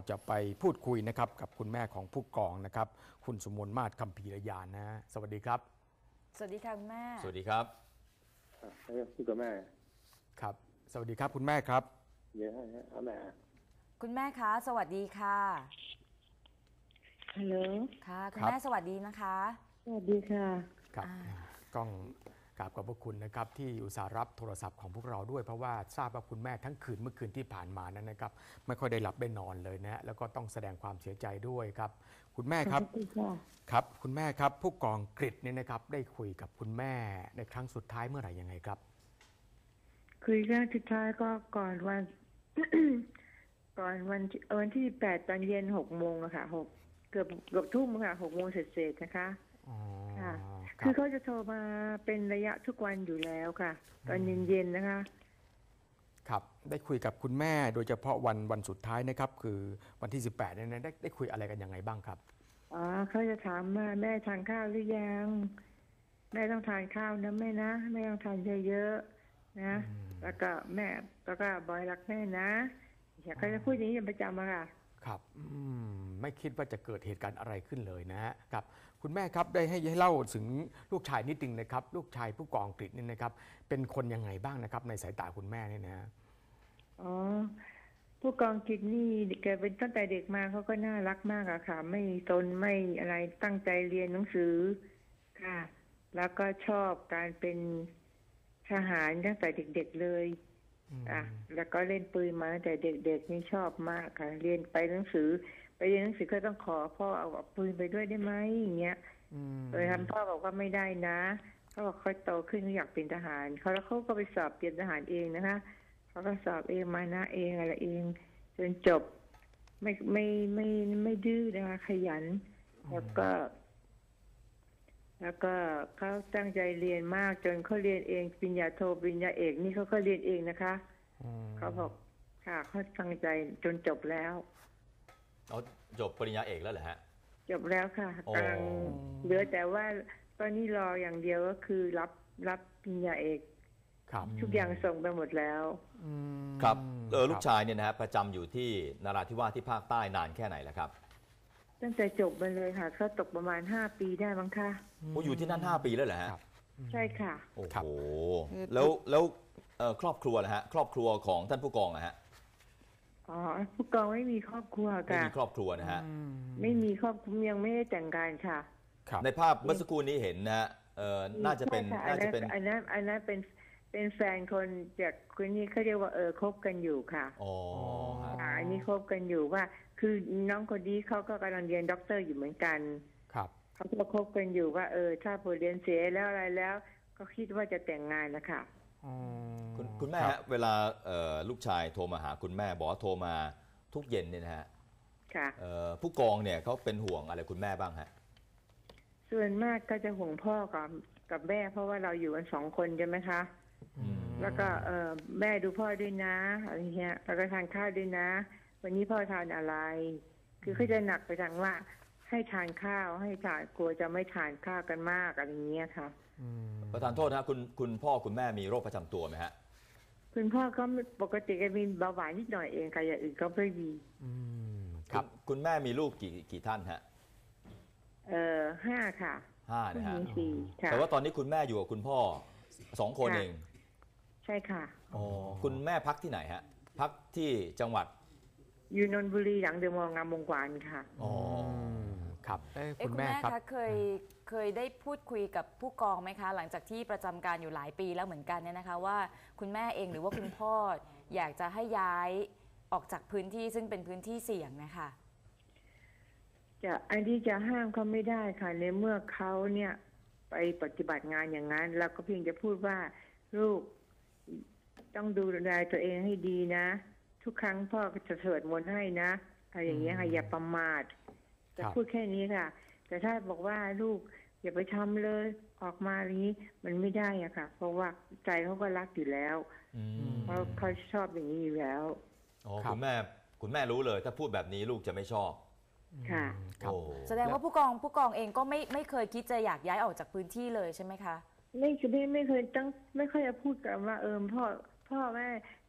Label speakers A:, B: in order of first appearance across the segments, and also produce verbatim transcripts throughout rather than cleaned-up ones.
A: จะไปพูดคุยนะครับกับคุณแม่ของผู้กองนะครับคุณสุมนมาศคัมภีรยานนะสวัสดีครับ
B: สวัสดีค่ะคุณแม่
C: สวัสดีครับ
D: พูดกับแม่
A: ครับสวัสดีครับคุณแม่ครับ
D: เยอะฮะแม่
B: คุณแม่คะสวัสดีค่ะ
E: ฮัลโหล
B: ค่ะคุณแม่สวัสดีนะคะ
E: สวัสดีค่ะ
A: ครับก้องกราบขอบพระคุณนะครับที่อุตส่าห์รับโทรศัพท์ของพวกเราด้วยเพราะว่าทราบว่าคุณแม่ทั้งคืนเมื่อคืนที่ผ่านมานั้นนะครับไม่ค่อยได้หลับได้นอนเลยนะแล้วก็ต้องแสดงความเสียใจด้วยครับคุณแม่ครับครับคุณแม่ครับผู้กองกฤษเนี่ยนะครับได้คุยกับคุณแม่ในครั้งสุดท้ายเมื่อไหร่ยังไงครับ
E: คุยครั้งสุดท้ายก็ก่อนวัน ก่อนวันวันที่แปดตอนเย็นหกโมงอะค่ะหกเกือบเกือบทุ่มค่ะหกโมงเสร็จๆนะคะค่ะคือเขาจะโทรมาเป็นระยะทุกวันอยู่แล้วค่ะตอนเย็นๆนะคะ
A: ครับได้คุยกับคุณแม่โดยเฉพาะวันวันสุดท้ายนะครับคือวันที่สิบแปดเนี่ยได้ได้คุยอะไรกันยังไงบ้างครับ
E: อ๋อเขาจะถามว่าแม่ทานข้าวหรือยังแม่ต้องทานข้าวนะแม่นะแม่ต้องทานเยอะๆนะแล้วก็แม่แล้วก็บอยรักแม่นะอยากจะพูดอย่างนี้เป็นประจำอะค่ะ
A: ครับไม่คิดว่าจะเกิดเหตุการณ์อะไรขึ้นเลยนะฮะครับคุณแม่ครับได้ให้ให้เล่าถึงลูกชายนิดนึงนะครับลูกชายผู้กองกฤษนี่นะครับเป็นคนยังไงบ้างนะครับในสายตาคุณแม่เนี่ยนะ
E: อ๋อผู้กองกฤษนี่แกเป็นตั้งแต่เด็กมาเขาก็น่ารักมากอะค่ะไม่ตนไม่อะไรตั้งใจเรียนหนังสือค่ะแล้วก็ชอบการเป็นทหารตั้งแต่เด็กๆเลยอ่ะแล้วก็เล่นปืนมาตั้งแต่เด็กๆนี่ชอบมากค่ะเรียนไปหนังสือไปเรียนหนังสือก็ต้องขอพ่อเอาปืนไปด้วยได้ไหมอย่างเงี้ยโดยทำพ่อบอกว่าไม่ได้นะเขาบอกเขาโตขึ้นเขาอยากเป็นทหารเขาแล้วเขาก็ไปสอบเตรียมทหารเองนะคะเขาก็สอบเองมานะเองอะไรเองจนจบไม่ไม่ไม่ไม่ดื้อนะคะขยันแล้วก็แล้วก็เขาตั้งใจเรียนมากจนเขาเรียนเองปริญญาโทปริญญาเอกนี่เขาก็เรียนเองนะคะเขาบอกค่ะเขาตั้งใจจนจบแล้ว
C: เขาจบปริญญาเอกแล้วเหรอฮะ
E: จบแล้วค่ะกำลังเหลือแต่ว่าตอนนี้รออย่างเดียวก็คือรับรับปริญญาเอกทุกอย่างส่งไปหมดแล้ว
C: ครับเออลูกชายเนี่ยนะฮะประจำอยู่ที่นราธิวาสที่ภาคใต้นานแค่ไหนแล้วครับ
E: ตั้งแต่จบมาเลยค่ะเขาตกประมาณห้าปีได้มั้งคะ
C: โอ้อยู่ที่นั่นห้าปีแล้วเหรอฮะ
E: ใช่ค่ะ
C: โอ้โหแล้วแล้วครอบครัวนะฮะครอบครัวของท่านผู้กองนะฮะ
E: อ๋อผู้กองไม่มีครอบครัวค่ะ
C: ไม่มีครอบครัวนะฮะ
E: ไม่มีครอบครัวยังไม่ได้แต่งงานค่ะ
C: ในภาพเมื่อสักครู่นี้เห็นนะฮะเออน่าจะเป็นน่าจะเป็น
E: อันนั้นอันนั้นเป็นเป็นแฟนคนจากคนนี้เขาเรียกว่าเออคบกันอยู่ค่ะ
C: อ๋อ
E: อันนี้คบกันอยู่ว่าคือน้องคนนี้เขาก็กำลังเรียนด็อกเตอร์อยู่เหมือนกัน
A: ครับ
E: เขาก็คบกันอยู่ว่าเออถ้าพอเรียนเสียแล้วอะไรแล้วก็คิดว่าจะแต่งงานนะคะ
C: คุณคุณแม่ฮะเวลาลูกชายโทรมาหาคุณแม่บอกว่าโทรมาทุกเย็นเนี่ยนะฮะ
E: ค่ะ
C: ผู้กองเนี่ยเขาเป็นห่วงอะไรคุณแม่บ้างฮะ
E: ส่วนมากก็จะห่วงพ่อกับกับแม่เพราะว่าเราอยู่กันสองคนใช่ไหมคะแล้วก็เออแม่ดูพ่อด้วยนะอะไรเงี้ยแล้วก็ทานข้าวด้วยนะวันนี้พ่อทานอะไรคือเขาจะหนักไปทางว่าให้ทานข้าวให้ทานกลัวจะไม่ทานข้าวกันมากอะไรเงี้ยค่ะ
C: ประธานโทษนะคุณคุณพ่อคุณแม่มีโรคประจำตัวไหมฮะ
E: คุณพ่อก็ปกติก็มีเบาหวานนิดหน่อยเองค่ะอย่างอื่นก็ไม่มี
C: ครับคุณแม่มีลูกกี่กี่ท่านฮะ
E: เออห้าค่ะ
C: ห้านะฮะ
E: แต่
C: ว่าตอนนี้คุณแม่อยู่กับคุณพ่อสองคนเอง
E: ใช่ค่ะ
C: อ๋อคุณแม่พักที่ไหนฮะพักที่จังหวัด
E: อยู่นนทบุรีหลังเดอะมอลล์งามวงวานค่ะ
C: อ๋อ
A: ครับ
B: คุณแม่คะเคยเคยได้พูดคุยกับผู้กองไหมคะหลังจากที่ประจำการอยู่หลายปีแล้วเหมือนกันเนี่ยนะคะว่าคุณแม่เองหรือว่าคุณพ่ออยากจะให้ย้ายออกจากพื้นที่ซึ่งเป็นพื้นที่เสี่ยงนะคะ
E: จะอันที่จะห้ามเขาไม่ได้ค่ะในเมื่อเขาเนี่ยไปปฏิบัติงานอย่างนั้นเราก็เพียงจะพูดว่าลูกต้องดูแลตัวเองให้ดีนะทุกครั้งพ่อจะสวดมนต์ให้นะอะไรอย่างเงี้ยค่ะอย่าประมาทจะพูดแค่นี้ค่ะแต่ถ้าบอกว่าลูกอย่าไปทำเลยออกมาอย่างนี้มันไม่ได้อะค่ะเพราะว่าใจเขาก็รักอยู่แล้วเพราะเขาชอบอย่างนี้อยู่แล้ว
C: อ๋อคุณแม่คุณแม่รู้เลยถ้าพูดแบบนี้ลูกจะไม่ชอบ
E: ค่ะ
B: แสดงว่าผู้กองผู้กองเองก็ไม่ไม่เคยคิดจะอยากย้ายออกจากพื้นที่เลยใช่ไหมคะ
E: ไม่คือไม่ไม่เคยตั้งไม่ค่อยจะพูดกันว่าเออพ่อพ่อแม่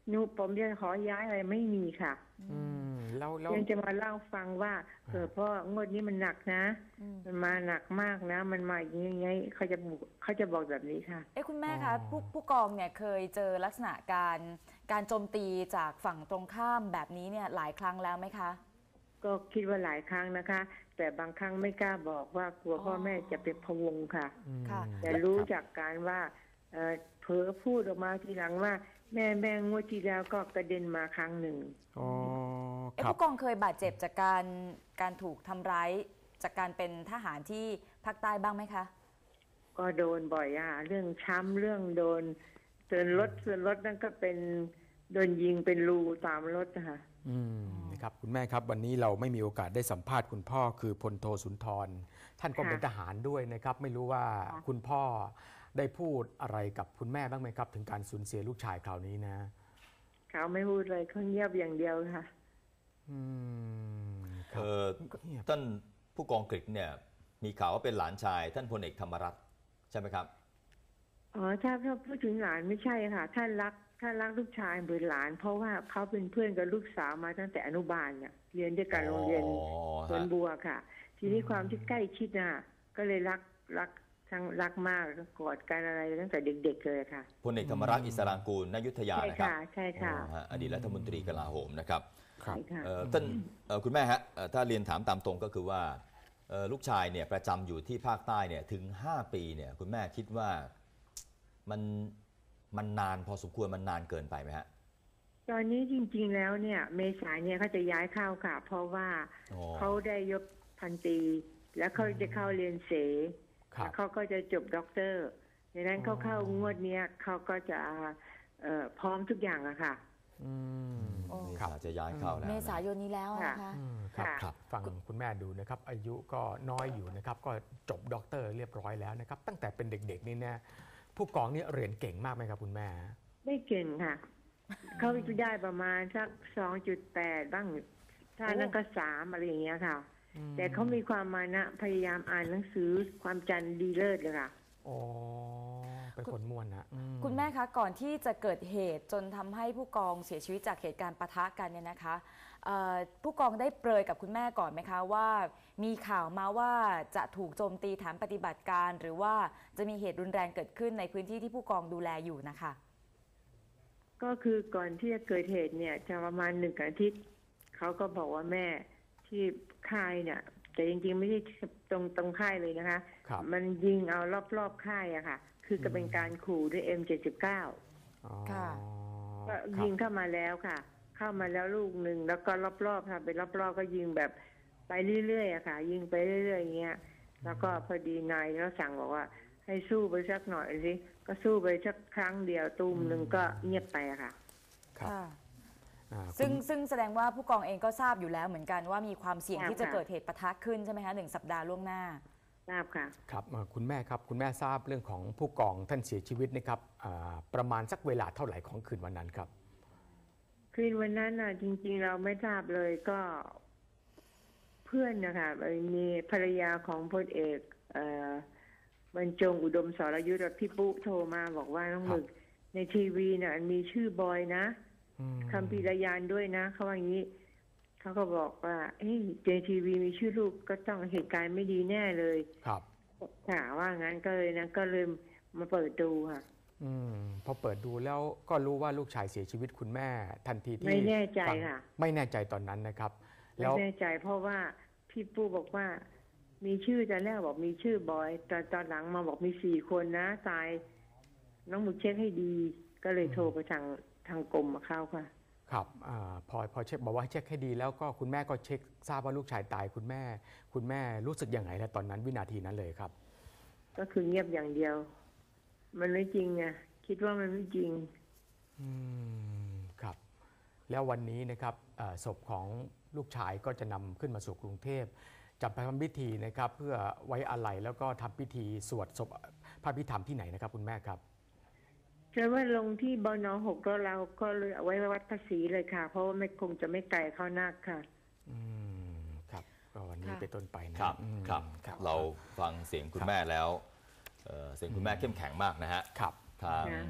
E: หนูผมจะขอย้ายอะไรไม่มีค่ะ
A: อืมแล้วแล้ว
E: ยังจะมาเล่าฟังว่าเออพ่องวดนี้มันหนักนะ
B: อืม
E: มันมาหนักมากนะ มันมาอย่างงี้ไงเขาจะบอกเขาจะบอกแบบนี้ค่ะ
B: เอ้คุณแม่คะผู้ผู้กองเนี่ยเคยเจอลักษณะการการโจมตีจากฝั่งตรงข้ามแบบนี้เนี่ยหลายครั้งแล้วไหมคะ
E: ก็คิดว่าหลายครั้งนะคะ แต่บางครั้งไม่กล้าบอกว่ากลัวพ่อแม่จะเป็นพะวงค่ะ
A: อืม
B: ค่ะ
E: แต่รู้จากการว่าเอ่อเผลอพูดออกมาทีหลังว่า แม่แม่งวดที่แล้วก็กระเด็นมาครั้งหนึ่ง
A: อ๋อ
B: เอ้
A: ครับ
B: ผู้กองเคยบาดเจ็บจากการการถูกทำร้ายจากการเป็นทหารที่ภาคใต้บ้างไหมคะ
E: ก็โดนบ่อยอ่ะเรื่องช้ำเรื่องโดนเตือนรถเตือนรถนั่นก็เป็นโดนยิงเป็นรูตามรถนะคะ
A: อืมนะครับคุณแม่ครับวันนี้เราไม่มีโอกาสได้สัมภาษณ์คุณพ่อคือพลโทสุนทร ท่านก็เป็นทหารด้วยนะครับ ไม่รู้ว่าคุณพ่อได้พูดอะไรกับคุณแม่บ้างไหมครับ ถึงการสูญเสียลูกชายคราวนี้นะ
E: เขาไม่พูดเลยเขาเงียบอย่างเดียวค่ะ
A: อืมค
C: เอ
A: รับ
C: อท่านผู้กองกฤษเนี่ยมีข่าวว่าเป็นหลานชายท่านพลเอกธรรมรัตน์ใช่ไหมครับ
E: อ๋อถ้าถ้าพูดถึงหลานไม่ใช่ค่ะท่านรักท่านรักลูกชายเหมือนหลาน เพราะว่าเขาเป็นเพื่อนกับลูกสาวมาตั้งแต่อนุบาลเนี่ยเรียนด้วยกันโรงเรียน
C: อ๋อ
E: สวน
C: ฮะ
E: บัวค่ะ ทีนี้ความที่ใกล้ชิดน่ะ ก็เลยรักรักทั้งรักมากกอดกันอะไรตั้งแต่เด็กๆเลยค่ะ
C: พลเอกธรรมรัตน์อิสรางกูลนายุทธยา
E: ใช่
C: นะครับ
E: ค่ะใช่ค่ะ
C: อ๋อฮะอดีตรัฐมนตรีกลาโหมนะครับ
A: ครับ
E: ใช่ค่ะ
C: เอ่อท่านเอ่อคุณแม่ฮะเอ่อถ้าเรียนถามตามตรงก็คือว่าเอ่อลูกชายเนี่ยประจำอยู่ที่ภาคใต้เนี่ยถึงห้าปีเนี่ยคุณแม่คิดว่ามันมันนานพอสมควรมันนานเกินไปไหมฮะ
E: ตอนนี้จริงๆแล้วเนี่ย เมษายนเนี่ยเขาจะย้ายเข้าค่ะ เพราะว่า
C: อ๋อ
E: เขาได้ยศพันตรีแล้วเขาจะเข้าเรียนเส
A: ครับ
E: แล้วเขาก็จะจบด็อกเตอร์ดังนั้นเขาเข้างวดเนี้ยเขาก็จะเอ่อพร้อมทุกอย่างอะค่ะ
A: อืม
B: โอ้
C: เม
A: ครับ
C: ษาจะย้ายเข้าแล้ว
B: เม
C: นะ
B: ษายนนี้แล้วนะคะ
A: อืมครับ
E: ค่ะ
A: ครับฟังคุณแม่ดูนะครับ อายุก็น้อยอยู่นะครับ ก็จบด็อกเตอร์เรียบร้อยแล้วนะครับ ตั้งแต่เป็นเด็กๆนี่นะผู้กองนี่เรียนเก่งมากไหมครับคุณแม่
E: ไม่เก่งค่ะ เขาจะได้ประมาณสักสองจุดแปดบ้าง ถ้านั้นก็สามอะไรอย่างเงี้ยค่ะ แต่เขามีความมานะพยายามอ่านหนังสือความจำดีเลิศเลยค่ะ
A: อ๋อเป็นคนม่วนนะอื
B: คุณแม่คะก่อนที่จะเกิดเหตุจนทำให้ผู้กองเสียชีวิตจากเหตุการณ์ปะทะกันเนี่ยนะคะเอ่อผู้กองได้เปรยกับคุณแม่ก่อนไหมคะว่ามีข่าวมาว่าจะถูกโจมตีฐานปฏิบัติการ หรือว่าจะมีเหตุรุนแรงเกิดขึ้นในพื้นที่ที่ผู้กองดูแลอยู่นะคะ
E: ก็คือก่อนที่จะเกิดเหตุเนี่ยจะประมาณหนึ่งอาทิตย์เขาก็บอกว่าแม่ที่ค่ายเนี่ย แต่จริงๆไม่ใช่ตรงตรงค่ายเลยนะคะ
A: ครับ
E: มันยิงเอารอบๆค่ายอะค่ะ คือก็เป็นการขู่ด้วย เอ็ม เจ็ดสิบเก้า
A: อ๋อ
B: ค่ะ
E: ก็
A: ครับ
E: ยิงเข้ามาแล้วค่ะ เข้ามาแล้วลูกหนึ่งแล้วก็รอบๆค่ะเป็นรอบๆก็ยิงแบบไปเรื่อยๆอะค่ะ ยิงไปเรื่อยๆอย่างเงี้ย แล้วก็พอดีนายเขาสั่งบอกว่า ให้สู้ไปสักหน่อยสิก็สู้ไปสักครั้งเดียวตูมหนึ่งก็เงียบไปอะค่ะ
A: ครับ
B: ค่ะ
A: อ่า
B: ซึ่ง
A: คุณ
B: ซึ่งแสดงว่าผู้กองเองก็ทราบอยู่แล้วเหมือนกันว่ามีความเสี่ยง
E: ทราบ
B: ที่จะ
E: ค่ะ
B: เกิดเหตุปะทะขึ้นใช่ไหมคะหนึ่งสัปดาห์ล่วงหน้า
E: ทราบค่ะ
A: ครับเอ่อคุณแม่ครับคุณแม่ทราบเรื่องของผู้กองท่านเสียชีวิตนะครับอ่าประมาณสักเวลาเท่าไหร่ของคืนวันนั้นครับ
E: คืนวันนั้นน่ะ จริงๆเราไม่ทราบเลยก็เพื่อนนะคะมีภรรยาของพลเอกเอ่อบรรจงอุดมสรยุทธ์พี่ปุ๊โทรมาบอกว่าน้อง
A: ครับ
E: หมึกในทีวีน่ะมีชื่อบอยนะ
A: อืม
E: คำพีรยานด้วยนะเขาว่าอย่างนี้เขาก็บอกว่าเฮ้ยในทีวีมีชื่อลูกก็ต้องเหตุการณ์ไม่ดีแน่เลย
A: ครับ
E: ค่ะว่างั้นก็เลยนะก็เลยมาเปิดดูค่ะ
A: อืมพอเปิดดูแล้วก็รู้ว่าลูกชายเสียชีวิตคุณแม่ทันทีที่
E: ไม่แน่ใจ
A: ฟัง
E: ค่ะ
A: ไม่แน่ใจตอนนั้นนะครับ
E: ไม่
A: แล้ว
E: แน่ใจเพราะว่าพี่ปู้บอกว่า มีชื่อตอนแรกบอกมีชื่อบอยตอนตอนหลังมาบอกมีสี่คนนะตาย น้องหมึกเช็คให้ดี ก็เลยโทรไปทางทางกรมมาเข้าค่ะ
A: ครับอาพอพอเช็คบอกว่าให้เช็คให้ดีแล้วก็คุณแม่ก็เช็คทราบว่าลูกชายตายคุณแม่ คุณแม่รู้สึกยังไงแล้วตอนนั้นวินาทีนั้นเลยครับ
E: ก็คือเงียบอย่างเดียว มันไม่จริงไงคิดว่ามันไม่จริง
A: อืมครับ แล้ววันนี้นะครับเอ่อศพของลูกชายก็จะนำขึ้นมาสู่กรุงเทพจะไปทำพิธีนะครับ เพื่อไว้อาลัยแล้วก็ทำพิธีสวดศพพระพิธรรมที่ไหนนะครับคุณแม่ครับ
E: แต่ว่าลงที่บนหกแล้วเราก็เลยเอาไว้วัดภาษีเลยค่ะ เพราะว่าไม่คงจะไม่ไกลเข้านักค่ะ
A: อืมครับก็วันนี้
B: ค่ะ
A: เป็นต้นไปนะครับ อืม
C: ครับ
A: ครับ
C: เราฟังเสียงคุณแม่แล้วเอ่อเสียงคุณแม่เข้มแข็งมากนะฮะ
A: ครับ
C: ทาง
E: ค่ะ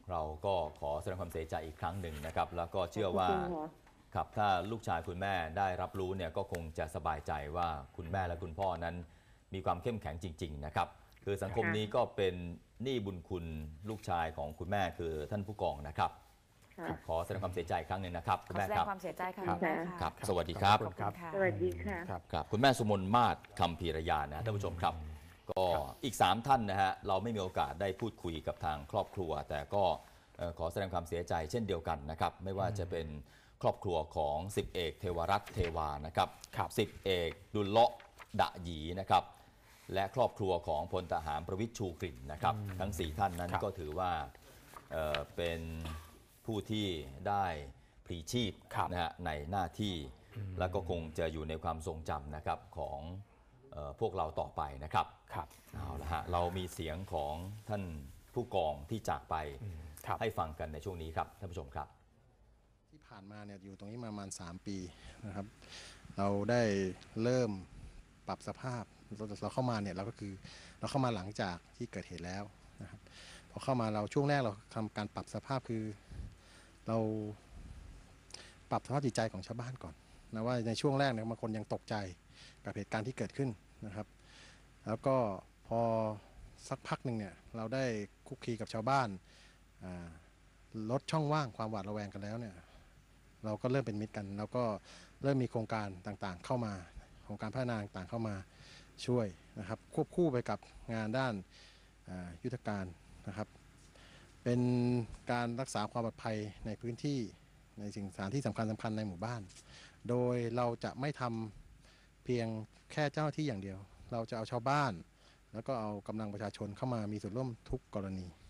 C: เราก็ขอแสดงความเสียใจอีกครั้งหนึ่งนะครับ แล้วก็เชื่อว่า
E: ขอบคุณค่ะ
C: ครับถ้าลูกชายคุณแม่ได้รับรู้เนี่ยก็คงจะสบายใจว่าคุณแม่และคุณพ่อนั้นมีความเข้มแข็งจริงๆนะครับคือสังคมนี้ก็เป็นหนี้บุญคุณลูกชายของคุณแม่คือท่านผู้กองนะครับ
E: ค่ะ
C: ขอแสดงความเสียใจอีกครั้งหนึ่งนะครับ
B: ข
C: คุ
B: อ
C: ณแม่
B: แสด
C: ค
B: ง
C: รับ
B: ความเสียใจค่ะ
E: ครับ
B: คุณแม่ค่ะ
C: ครับสวัสดีครับ
A: ขอบคุณครับ
B: ขอบ
E: ส
B: คุณค่ะ
E: วัสดีค่ะ
A: ครับ
C: ครับคุณแม่สุมนมาศคำพีรยานะท่านผู้ชมครับ ก็อีกสามท่านนะฮะเราไม่มีโอกาสได้พูดคุยกับทางครอบครัว แต่ก็เอ่อขอแสดงความเสียใจเช่นเดียวกันนะครับไม่ว่าจะเป็นครอบครัวของสิบเอกเทวรัตน์เทวานะครับ
A: ครับ
C: สิบเอกดุลเลาะดะหยีนะครับและครอบครัวของพลทหารประวิตรชูกลิ่นนะครับทั้งสี่ท่านนั้น
A: ครับ
C: ก็ถือว่าเอ่อเป็นผู้ที่ได้พลีชีพ
A: ครับ
C: นะฮะในหน้าที่แล้วก็คงจะอยู่ในความทรงจำนะครับของเอ่อพวกเราต่อไปนะครับ
A: ครับ
C: เอาละฮะเรามีเสียงของท่านผู้กองที่จากไป
A: ครับ
C: ให้ฟังกันในช่วงนี้ครับท่านผู้ชมครับ
F: ที่ผ่านมาเนี่ยอยู่ตรงนี้มาประมาณสามปีนะครับ เราได้เริ่มปรับสภาพเราเราเข้ามาเนี่ยเราก็คือเราเข้ามาหลังจากที่เกิดเหตุแล้วนะครับพอเข้ามาเราช่วงแรกเราทำการปรับสภาพคือเราปรับสภาพจิตใจของชาวบ้านก่อนนะว่าในช่วงแรกเนี่ยบางคนยังตกใจกับเหตุการณ์ที่เกิดขึ้นนะครับ แล้วก็พอสักพักหนึ่งเนี่ยเราได้คุกคีกับชาวบ้านอ่าลดช่องว่างความหวาดระแวงกันแล้วเนี่ยเราก็เริ่มเป็นมิตรกัน แล้วก็เริ่มมีโครงการต่างๆเข้ามาโครงการพัฒนาต่างๆเข้ามาช่วยนะครับควบคู่ไปกับงานด้านอ่ายุทธการนะครับ เป็นการรักษาความปลอดภัยในพื้นที่ในสิ่งสถานที่สำคัญสำคัญในหมู่บ้าน โดยเราจะไม่ทำเพียงแค่เจ้าหน้าที่อย่างเดียว เราจะเอาชาวบ้าน แล้วก็เอากำลังประชาชนเข้ามามีส่วนร่วมทุกกรณี